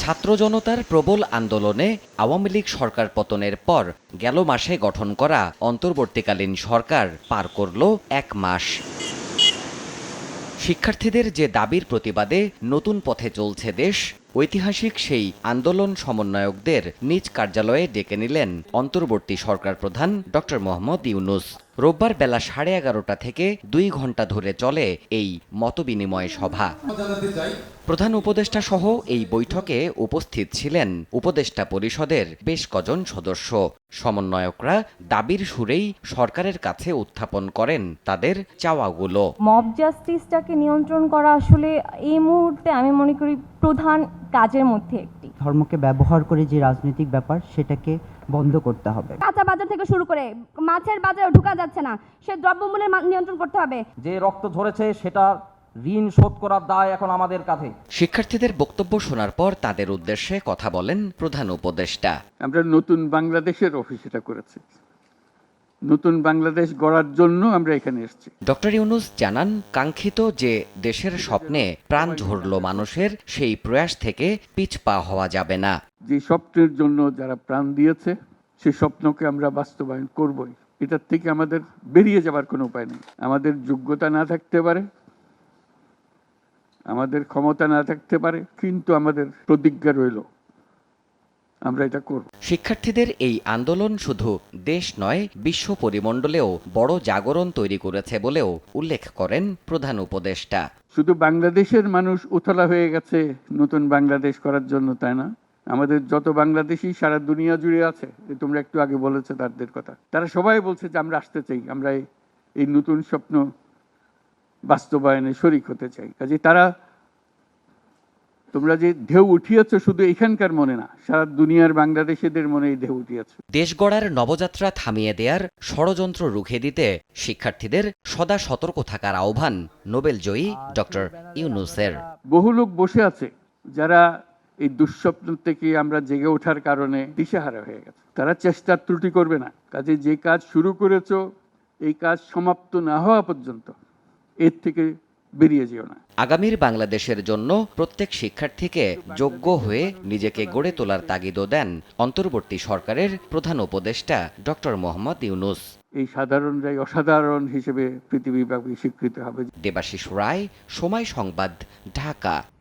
ছাত্র জনতার প্রবল আন্দোলনে আওয়ামী লীগ সরকার পতনের পর গেল মাসে গঠন করা অন্তর্বর্তীকালীন সরকার পার করল ১ মাস। শিক্ষার্থীদের যে দাবির প্রতিবাদে নতুন পথে চলছে দেশ, ঐতিহাসিক সেই আন্দোলন সমন্বয়কদের নিজ কার্যালয়ে ডেকে নিলেন অন্তর্বর্তী সরকার প্রধান ডক্টর মোহাম্মদ ইউনূস। রোববার বেলা 11:30 থেকে 2 ঘণ্টা ধরে চলে এই মতবিনিময় সভা। প্রধান উপদেষ্টা সহ এই বৈঠকে উপস্থিত ছিলেন উপদেষ্টা পরিষদের বেশ কজন সদস্য। সমন্বয়করা দাবির সুরেই সরকারের কাছে উত্থাপন করেন তাদের চাওয়াগুলো। মব জাস্টিসটাকে নিয়ন্ত্রণ করা আসলে এই মুহূর্তে আমি মনে করি প্রধান কাজের মধ্যে একটি। ধর্মকে ব্যবহার করে যে রাজনৈতিক ব্যাপার সেটাকে বন্ধ করতে হবে। কাঁচা বাজার থেকে শুরু করে মাছের বাজারে ঢোকা যাচ্ছে না, সে দ্রব্যমূল্যের নিয়ন্ত্রণ করতে হবে। যে রক্ত ঝরেছে সেটা ঋণ শোধ করার দায় এখন আমাদের কাঁধে। শিক্ষার্থীদের বক্তব্য শোনার পর তাদের উদ্দেশ্যে কথা বলেন প্রধান উপদেষ্টা। আমরা নতুন বাংলাদেশের অফিস এটা করেছি, নতুন বাংলাদেশ গড়ার জন্য আমরা এখানে এসেছি। ডক্টর ইউনূস জানান, কাঙ্ক্ষিত যে দেশের স্বপ্নে প্রাণ ঝরল মানুষের, সেই প্রয়াস থেকে পিছপা হওয়া যাবে না। যে স্বপ্নের জন্য যারা প্রাণ দিয়েছে সেই স্বপ্নকে আমরা বাস্তবায়ন করবই। এটার থেকে আমাদের বেরিয়ে যাবার কোনো উপায় নেই। আমাদের যোগ্যতা না থাকতে পারে, আমাদের ক্ষমতা না থাকতে পারে, কিন্তু আমাদের প্রতিজ্ঞা রইল আমরা এটা করব। শিক্ষার্থীদের এই আন্দোলন শুধু দেশ নয়, বিশ্ব পরিমণ্ডলেও বড় জাগরণ তৈরি করেছে বলেও উল্লেখ করেন প্রধান উপদেষ্টা। শুধু বাংলাদেশের মানুষ উতলা হয়ে গেছে নতুন বাংলাদেশ করার জন্য, তাই না? আমাদের যত বাংলাদেশি সারা দুনিয়া জুড়ে আছে, তোমরা একটু আগে বলেছো তাদের কথা, তারা সবাই বলছে যে আমরা আসতে চাই, আমরা এই নতুন স্বপ্ন বাস্তবায়নে শরিক হতে চাই। কাজে তারা, তোমরা যে ঢেউ উঠিয়েছ শুধু এখানকার মনে না, সারা দুনিয়ার বাংলাদেশিদের মনে এই ঢেউ উঠিয়েছ। দেশ গড়ার নবযাত্রা থামিয়ে দেয়ার ষড়যন্ত্র রুখে দিতে শিক্ষার্থীদের সদা সতর্ক থাকার আহ্বান নোবেলজয়ী ডক্টর ইউনূসের। বহু লোক বসে আছে যারা এই দুঃস্বপ্ন থেকে আমরা জেগে ওঠার কারণে দিশেহারা হয়ে গেছে। তারা চেষ্টার ত্রুটি করবে না। কাজে যে কাজ শুরু করেছো এই কাজ সমাপ্ত না হওয়া পর্যন্ত এর থেকে বেরিয়ে যেও না। আগামীর বাংলাদেশের জন্য প্রত্যেক শিক্ষার্থীকে যোগ্য হয়ে নিজেকে গড়ে তোলার তাগিদও দেন অন্তর্বর্তী সরকারের প্রধান উপদেষ্টা ডক্টর মোহাম্মদ ইউনূস। এই সাধারণরাই অসাধারণ হিসেবে পৃথিবীব্যাপী স্বীকৃত হবে। দেবাশিস রায়, সময় সংবাদ, ঢাকা।